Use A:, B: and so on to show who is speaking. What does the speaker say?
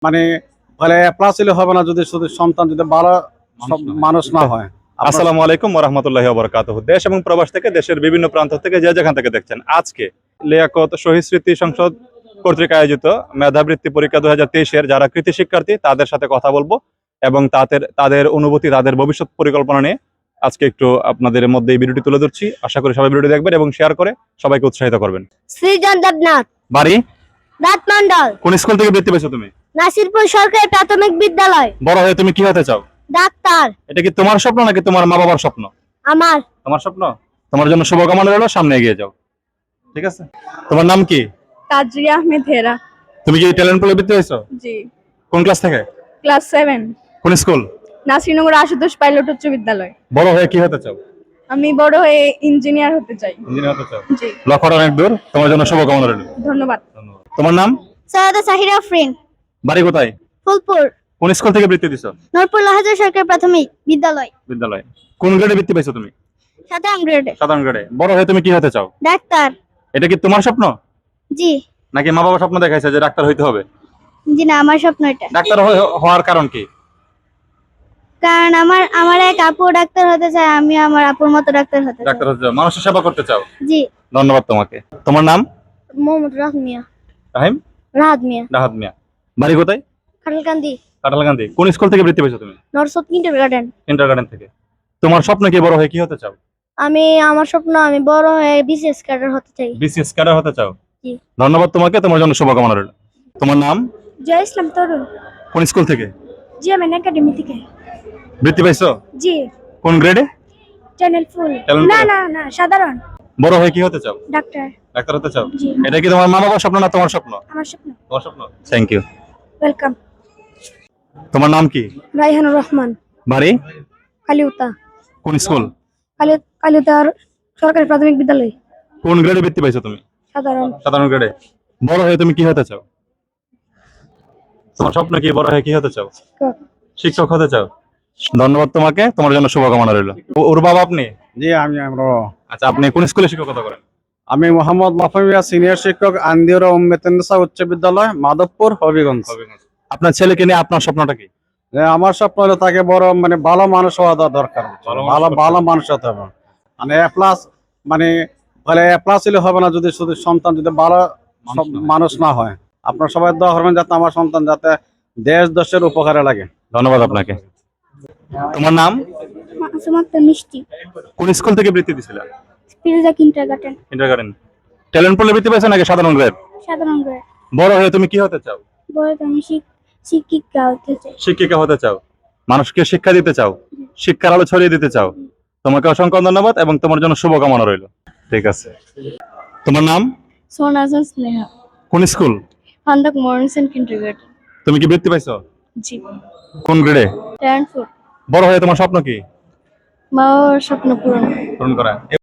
A: মানে বলে প্লাস হলে হবে না যদি শুধু সন্তান যদি ভালো মানুষ না হয়।
B: আসসালামু আলাইকুম ওয়া রাহমাতুল্লাহি ওয়া বারাকাতুহু। দেশ এবং প্রবাস থেকে দেশের বিভিন্ন প্রান্ত থেকে যে যেখান থেকে দেখছেন, আজকে লিয়াকত শহীদ স্মৃতি সংসদ কর্তৃক আয়োজিত মেধাবৃত্তি পরীক্ষা 2023-এর যারা কৃতি শিক্ষার্থী তাদের সাথে কথা বলবো এবং তাদের অনুভূতি, তাদের ভবিষ্যৎ পরিকল্পনা নিয়ে আজকে একটু আপনাদের মধ্যে এই ভিডিওটি তুলে ধরছি। আশা করি সবাই ভিডিওটি দেখবেন এবং শেয়ার করে সবাইকে উৎসাহিত করবেন।
C: সৃজন দেবনাথ,
B: বাড়ি
C: রাত মন্ডল,
B: কোন স্কুল থেকে বৃত্তি পেয়েছো তুমি?
C: নাসিরপুর সরকারি প্রাথমিক বিদ্যালয়।
B: বড় হয়ে তুমি কি হতে চাও?
C: ডাক্তার।
B: এটা কি তোমার স্বপ্ন নাকি তোমার মা বাবার স্বপ্ন?
C: আমার।
B: তোমার স্বপ্ন? তোমার জন্য শুভকামনা রইলো, সামনে এগিয়ে যাও। ঠিক আছে। তোমার নাম কি?
D: তাজরিয়া আহমেদ হেরা।
B: তুমি কি ট্যালেন্ট পুলে বৃত্তি হয়েছো?
D: জি,
B: কোন ক্লাস থেকে?
D: ক্লাস 7,
B: কোন স্কুল?
D: নাসিরনগর আশুতোষ পাইলট উচ্চ বিদ্যালয়।
B: বড় হয়ে কি হতে চাও?
D: আমি বড় হয়ে ইঞ্জিনিয়ার হতে চাই।
B: ইঞ্জিনিয়ার হতে চাও?
D: জি,
B: লক্ষ্যটা অনেক দূর, তোমার জন্য শুভকামনা রইলো।
D: ধন্যবাদ।
B: তোমার নাম?
C: সৈয়দা সাহিরা আফরিন,
B: বাড়ি কোথায়?
C: ফুলপুর,
B: কোন স্কুল থেকে বৃত্তি দিছো?
C: নূরপুর লাহাজা সরকারি প্রাথমিক বিদ্যালয়।
B: বিদ্যালয়। কোন গ্রেডে বৃত্তি পেয়েছো তুমি?
C: 7ম গ্রেডে।
B: সাধারণ গ্রেডে। বড় হয়ে তুমি কি হতে চাও?
C: ডাক্তার।
B: এটা কি তোমার স্বপ্ন
C: জি।
B: নাকি মা বাবা স্বপ্ন দেখাইছে যে ডাক্তার হইতে হবে?
C: জি না, আমার স্বপ্ন এটা।
B: ডাক্তার হওয়ার কারণ কি?
C: কারণ আমার এক আপু ডাক্তার হতে চায়, আমি আমার আপুর মতো ডাক্তার হতে চাই।
B: ডাক্তার হতে চাও, মানুষের সেবা করতে চাও।
C: জি।
B: ধন্যবাদ তোমাকে। তোমার নাম?
C: মোহাম্মদ রাহাত মিয়া।
B: রাহিম?
C: রাহাত মিয়া।
B: রাহাত মিয়া। বাড়ি কোথায়?
C: খাটালকান্দি,
B: কাঁঠালকান্দি। কোন স্কুল থেকে বৃত্তি পেয়েছো তুমি?
C: নরসদ কিন্ডারগার্টেন।
B: কিন্ডারগার্টেন থেকে। তোমার স্বপ্ন কি বড় হয়ে কি হতে চাও?
C: আমার স্বপ্ন আমি বড় হয়ে বিসিএস ক্যাডার হতে চাই।
B: বিসিএস ক্যাডার হতে চাও?
C: জি।
B: ধন্যবাদ তোমাকে, তোমার জন্য শুভকামনা রইল। তোমার নাম?
C: জয় ইসলাম তরুণ।
B: কোন স্কুল থেকে?
C: জিএমএন একাডেমি থেকে।
B: বৃত্তি পাইছো?
C: জি।
B: কোন গ্রেডে?
C: Channel full.
B: Channel
C: না
B: full?
C: না না, সাধারণ।
B: বড় হয়ে কি হতে চাও?
C: ডাক্তার।
B: ডাক্তার হতে চাও?
C: জি।
B: এটা কি তোমার মা বাবার স্বপ্ন না তোমার স্বপ্ন?
C: আমার স্বপ্ন।
B: তোমার স্বপ্ন। Thank you.
C: ওয়েলকাম।
B: তোমার নাম কি?
C: রাইহানুর রহমান,
B: বাড়ি?
C: কালিউতা।
B: কোন স্কুল?
C: কালিউতার সরকারি প্রাথমিক বিদ্যালয়।
B: কোন গ্রেডে বৃত্তি পাইছো তুমি?
C: সাধারণ।
B: সাধারণ গ্রেডে। বড় হয়ে তুমি কি হতে চাও? তোমার স্বপ্ন কি, বড় হয়ে কি হতে চাও?
C: শিক্ষক।
B: শিক্ষক হতে চাও? ধন্যবাদ তোমাকে, তোমার জন্য শুভকামনা রইল। ওর বাবা আপনি?
A: জি আমরা
B: আচ্ছা, আপনি কোন স্কুলে শিক্ষকতা করেন?
A: আমি মোহাম্মদ মাফামিয়া, সিনিয়র শিক্ষক, আন্দিউরা উম্মেতেন্নেসা উচ্চ বিদ্যালয়, মাধবপুর, হবিগঞ্জ।
B: আপনার ছেলেকে নিয়ে আপনার স্বপ্নটা কি?
A: যে আমার স্বপ্ন হলো তাকে বড় ভালো মানুষ হওয়া দরকার।
B: ভালো
A: ভালো
B: মানুষ
A: ভালো মানুষ হতে হবে। মানে এ প্লাস বলে প্লাস হলে হবে না যদি শুধু সন্তান যদি ভালো মানুষ না হয়। আপনার সবাই দোয়া করবেন যাতে আমার সন্তান যাতে দেশের উপকারে লাগে।
B: ধন্যবাদ আপনাকে। তোমার নাম?
C: মাসুমাত্তা মিষ্টি,
B: কোন স্কুল থেকে বৃত্তি দিছিলেন?
C: স্পিলজা কিন্ডারগার্টেন।
B: কিন্ডারগার্টেন। ট্যালেন্ট পুলে বৃত্তি পেয়েছো নাকি সাধারণ গ্রেড?
C: সাধারণ গ্রেড।
B: বড় হয়ে তুমি কি হতে চাও?
C: বয়স আমি শিক্ষিকা হতে চাই।
B: শিক্ষিকা হতে চাও? মানুষকে শিক্ষা দিতে চাও? শিক্ষার আলো ছড়িয়ে দিতে চাও? তোমাকে অসংখ্য ধন্যবাদ এবং তোমার জন্য শুভকামনা রইল। ঠিক আছে। তোমার নাম?
D: সোনাজন স্নেহা,
B: কোন স্কুল?
D: ফান্দাক মর্নিসন কিন্ডারগার্টেন।
B: তুমি কি বৃত্তি পাইছো?
D: জি।
B: কোন গ্রেডে?
D: Talent full.
B: বড় হয়ে তোমার স্বপ্ন কি?
D: মা বাবার স্বপ্ন পূরণ।
B: পূরণ করা।